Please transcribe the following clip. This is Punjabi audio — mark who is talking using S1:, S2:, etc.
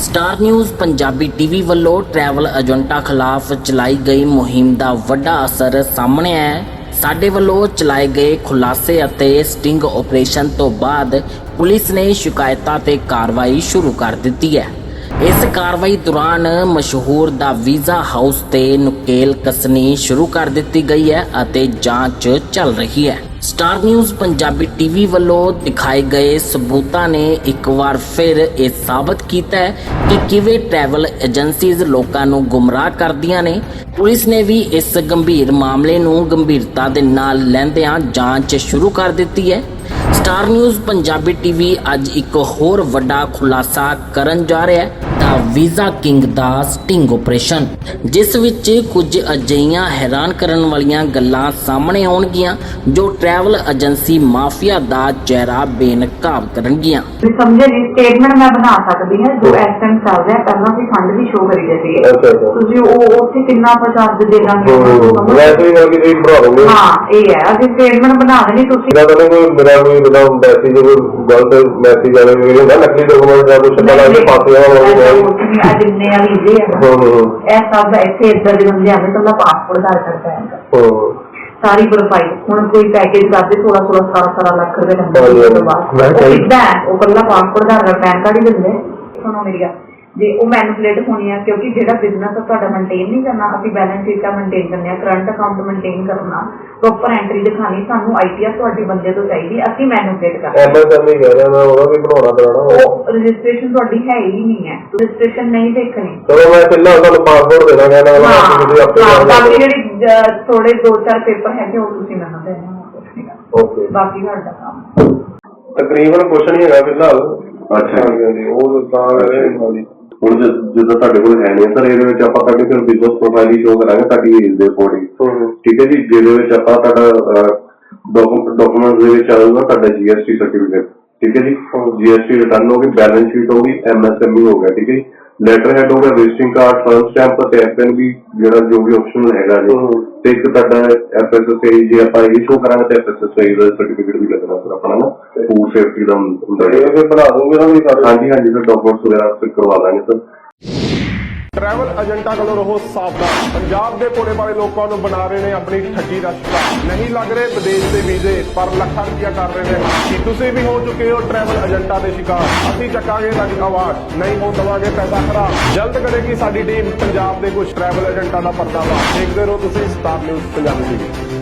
S1: ਸਟਾਰ ਨਿਊਜ਼ ਪੰਜਾਬੀ ਟੀਵੀ ਵੱਲੋਂ ਟਰੈਵਲ ਏਜੰਟਾਂ ਖਿਲਾਫ ਚਲਾਈ ਗਈ ਮੁਹਿੰਮ ਦਾ ਵੱਡਾ ਅਸਰ ਸਾਹਮਣੇ ਆਇਆ ਹੈ। ਸਾਡੇ ਵੱਲੋਂ ਚਲਾਏ ਗਏ ਖੁਲਾਸੇ ਅਤੇ ਸਟਿੰਗ ਆਪਰੇਸ਼ਨ ਤੋਂ ਬਾਅਦ ਪੁਲਿਸ ਨੇ ਸ਼ਿਕਾਇਤਾਂ ਤੇ ਕਾਰਵਾਈ ਸ਼ੁਰੂ ਕਰ ਦਿੱਤੀ ਹੈ। ਇਸ ਕਾਰਵਾਈ ਦੌਰਾਨ ਮਸ਼ਹੂਰ ਦਾ ਵੀਜ਼ਾ ਹਾਊਸ ਤੇ ਨੁਕੇਲ ਕਸਣੀ ਸ਼ੁਰੂ ਕਰ ਦਿੱਤੀ ਗਈ ਹੈ ਅਤੇ ਜਾਂਚ ਚੱਲ ਰਹੀ ਹੈ। ਸਟਾਰ ਨਿਊਜ਼ ਪੰਜਾਬੀ ਟੀਵੀ ਵੱਲੋਂ ਦਿਖਾਏ ਗਏ ਸਬੂਤਾਂ ਨੇ ਇੱਕ ਵਾਰ ਫਿਰ ਇਹ ਸਾਬਤ ਕੀਤਾ ਹੈ ਕਿ ਕਿਵੇਂ ਟਰੈਵਲ ਏਜੰਸੀਜ਼ ਲੋਕਾਂ ਨੂੰ ਗੁੰਮਰਾਹ ਕਰਦੀਆਂ ਨੇ। ਪੁਲਿਸ ਨੇ ਵੀ ਇਸ ਗੰਭੀਰ ਮਾਮਲੇ ਨੂੰ ਗੰਭੀਰਤਾ ਦੇ ਨਾਲ ਲੈਂਦਿਆਂ ਜਾਂਚ ਸ਼ੁਰੂ ਕਰ ਦਿੱਤੀ ਹੈ। ਸਟਾਰ ਨਿਊਜ਼ ਪੰਜਾਬੀ ਟੀਵੀ ਅੱਜ ਇੱਕ ਹੋਰ ਵੱਡਾ ਖੁਲਾਸਾ ਕਰਨ ਜਾ ਰਿਹਾ ਹੈ, ਦਾ ਵੀਜ਼ਾ ਕਿੰਗ ਦਾ ਸਟਿੰਗ ਆਪਰੇਸ਼ਨ, ਜਿਸ ਵਿੱਚ ਕੁਝ ਅਜਿਹੀਆਂ ਹੈਰਾਨ ਕਰਨ ਵਾਲੀਆਂ ਗੱਲਾਂ ਸਾਹਮਣੇ ਆਉਣਗੀਆਂ ਜੋ ਟਰੈਵਲ ਏਜੰਸੀ ਮਾਫੀਆ ਦਾ ਚਿਹਰਾ ਬੇਨਕਾਬ ਕਰਨਗੀਆਂ।
S2: ਸਮਝੇ ਜੀ ਸਟੇਟਮੈਂਟ ਮੈਂ ਬਣਾ ਸਕਦੀ ਹਾਂ ਜੋ ਇਸ ਟਾਈਮ ਚੱਲ ਰਿਹਾ, ਪਹਿਲਾਂ ਵੀ ਫੰਡ ਵੀ ਸ਼ੋ ਕਰੀ ਜਾਂਦੀ ਹੈ। ਤੁਸੀਂ ਉਹ ਉੱਥੇ ਕਿੰਨਾ ਚਾਰਜ ਦੇ ਦਾਂਗੇ
S3: ਵੈਸੇ ਹੀ ਕਰਕੇ ਤੁਸੀਂ ਬਣਾ ਦੋਗੇ।
S2: ਹਾਂ ਇਹ ਹੈ, ਅਸੀਂ ਸਟੇਟਮੈਂਟ ਬਣਾ ਦੇਣੀ। ਤੁਸੀਂ
S3: ਇਹਨਾਂ ਦਾ ਕੋਈ ਮੇਰਾ ਕੋਈ ਬਿਨਾ ਮੈਸੇਜ ਗਲਤ ਮੈਸੇਜ ਆਵੇ ਮੇਰੇ ਹੁੰਦਾ ਨਕਲੀ ਡਾਕੂਮੈਂਟ ਦਾ ਕੁਝ ਪਤਾ ਲੱਗੇ ਪਾਸੇ ਵਾਲਾ
S2: ਜਿੰਨੇ ਆ ਵੀਜ਼ੇ ਇਹ ਸਭ ਇੱਥੇ ਇੱਧਰ ਦੇ ਬੰਦੇ ਆਉਂਦੇ ਤਾਂ ਪਾਸਪੋਰਟ ਦਾ ਕਰਦਾ ਹੈ ਸਾਰੀ ਪ੍ਰੋਫਾਈਲ। ਹੁਣ ਕੋਈ ਪੈਕੇਜ ਕਰਦੇ 16 ਲੱਖ ਰੁਪਏ ਲੈਂਦਾ ਉਹ ਕੱਲਾ ਪਾਸਪੋਰਟ ਦਾ ਪੈਨ ਕਾਰਡ ਹੀ ਦਿੰਦੇ। ਸੁਣੋ ਮੇਰੀ ਗੱਲ, ਜੇ ਉਹ ਮੈਨੂਪਲੇਟ ਹੋਣੀ ਆ ਕਿਉਂਕਿ ਜਿਹੜਾ ਬਿਜ਼ਨਸ ਤੁਹਾਡਾ ਮੇਨਟੇਨ ਨਹੀਂ ਕਰਨਾ, ਅਸੀਂ ਬੈਲੈਂਸ ਸ਼ੀਟਾਂ ਮੇਨਟੇਨ ਕਰਨੇ ਆ, ਕਰੰਟ ਅਕਾਊਂਟ ਮੇਨਟੇਨ ਕਰਨਾ, ਪ੍ਰੋਪਰ ਐਂਟਰੀ ਦਿਖਾਣੀ, ਸਾਨੂੰ ਆਈਟੀਆਰ ਤੁਹਾਡੇ ਬੰਦੇ ਤੋਂ ਚਾਹੀਦੀ, ਅਸੀਂ ਮੈਨੂਪਲੇਟ ਕਰਨਾ।
S3: ਐਮਐਸਐਮਈ ਕਹਿ ਰਿਹਾ ਮੈਂ ਉਹਦਾ ਵੀ ਬਣਾਉਣਾ ਕਰਾਉਣਾ।
S2: ਉਹ ਰਜਿਸਟ੍ਰੇਸ਼ਨ ਤੁਹਾਡੀ ਹੈ ਹੀ ਨਹੀਂ ਹੈ, ਰਜਿਸਟ੍ਰੇਸ਼ਨ ਨਹੀਂ ਦੇਖਣੀ।
S3: ਚਲੋ ਮੈਂ ਪਹਿਲਾਂ ਤੁਹਾਨੂੰ ਪਾਸਪੋਰਟ ਦੇ ਦਾਂਗਾ ਨਾ
S2: ਬਾਕੀ ਜਿਹੜੀ ਥੋੜੇ 2-4 ਪੇਪਰ ਹੈਗੇ ਉਹ ਤੁਸੀਂ ਮੈਨੂੰ ਦੇਣਾ।
S3: ਓਕੇ,
S2: ਬਾਕੀ ਸਾਡਾ ਕੰਮ
S3: ਤਕਰੀਬਨ ਕੁਛ ਨਹੀਂ ਹੈਗਾ ਫਿਲਹਾਲ। ਅੱਛਾ ਜੀ, ਉਹ ਤਾਂ ਹੁਣ ਜਿੱਦਾਂ ਤੁਹਾਡੇ ਕੋਲ ਹੈ ਨਹੀਂ ਸਰ, ਇਹਦੇ ਵਿੱਚ ਆਪਾਂ ਤੁਹਾਡੀ ਫਿਰ ਬਿਜ਼ਨਸ ਪ੍ਰੋਫਾਈਲ ਹੀ ਸ਼ੋ ਕਰਾਂਗੇ ਤੁਹਾਡੀ ਏਜ ਦੇ ਅਕੋਰਡਿੰਗ। ਠੀਕ ਹੈ ਜੀ, ਜਿਹਦੇ ਵਿੱਚ ਆਪਾਂ ਤੁਹਾਡਾ ਡਾਕੂਮੈਂਟ ਦੇ ਵਿੱਚ ਆਊਗਾ ਤੁਹਾਡਾ GST ਸਰਟੀਫਿਕੇਟ। ਠੀਕ ਹੈ ਜੀ, GST ਰਿਟਰਨ ਹੋ ਗਈ, ਬੈਲੈਂਸ ਸ਼ੀਟ ਹੋ ਗਈ, MSME ਹੋ ਗਿਆ। ਠੀਕ ਹੈ ਜੀ, ਲੈਟਰ ਹੈਡ ਹੋ ਗਿਆ, ਵਿਜ਼ਿਟਿੰਗ ਕਾਰਡ, ਫਰਸਟ ਸਟੈਂਪ ਤੇ FNB ਜਿਹੜਾ ਜੋ ਵੀ ਆਪਸ਼ਨਲ ਹੈਗਾ ਜੀ, ਤੇ ਇੱਕ ਤੁਹਾਡਾ FSSAI ਜੇ ਆਪਾਂ ਇਹ ਸ਼ੋ ਕਰਾਂਗੇ ਤੇ FSSAI ਦਾ ਸਰਟੀਫਿਕੇਟ ਵੀ ਲੱਗਣਾ ਸਰ ਆਪਣਾ ਨਾ, ਫੂਡ ਸੇਫਟੀ ਦਾ ਹੁੰਦਾ ਹੈ। ਇਹ ਬਣਾ ਦੋਗੇ ਨਾ ਵੀ ਸਾਡੇ? ਹਾਂਜੀ ਹਾਂਜੀ ਸਰ, ਡਾਕੂਮੈਂਟਸ ਵਗੈਰਾ ਫਿਰ ਕਰਵਾ ਦਾਂਗੇ ਸਰ।
S4: ਟਰੈਵਲ ਏਜੰਟਾਂ ਕੋਲੋਂ ਰਹੋ ਸਾਵਧਾਨ। ਪੰਜਾਬ ਦੇ ਭੋਲੇ ਭਾਲੇ ਲੋਕਾਂ ਨੂੰ ਬਣਾ ਰਹੇ ਨੇ ਆਪਣੀ ਠੱਗੀ ਦਾ ਸ਼ਿਕਾਰ। ਨਹੀਂ ਲੱਗ ਰਹੇ ਵਿਦੇਸ਼ ਦੇ ਵੀਜ਼ੇ, ਪਰ ਲੱਖਾਂ ਰੁਪਇਆ ਕਰ ਰਹੇ ਨੇ। ਕੀ ਤੁਸੀਂ ਵੀ ਹੋ ਚੁੱਕੇ ਹੋ ਟਰੈਵਲ ਏਜੰਟਾਂ ਦੇ ਸ਼ਿਕਾਰ? ਅਸੀਂ ਚੱਕਾਂਗੇ ਤੁਹਾਡੀ ਆਵਾਜ਼, ਨਹੀਂ ਹੋ ਦਵਾਂਗੇ ਪੈਸਾ ਖਰਾਬ। ਜਲਦ ਕਰੇਗੀ ਸਾਡੀ ਟੀਮ ਪੰਜਾਬ ਦੇ ਕੁਝ ਟਰੈਵਲ ਏਜੰਟਾਂ ਦਾ ਪਰਦਾਫਾਸ਼। ਦੇਖਦੇ ਰਹੋ ਤੁਸੀਂ ਸਟਾਰ ਨਿਊਜ਼ ਪੰਜਾਬੀ ਟੀਵੀ।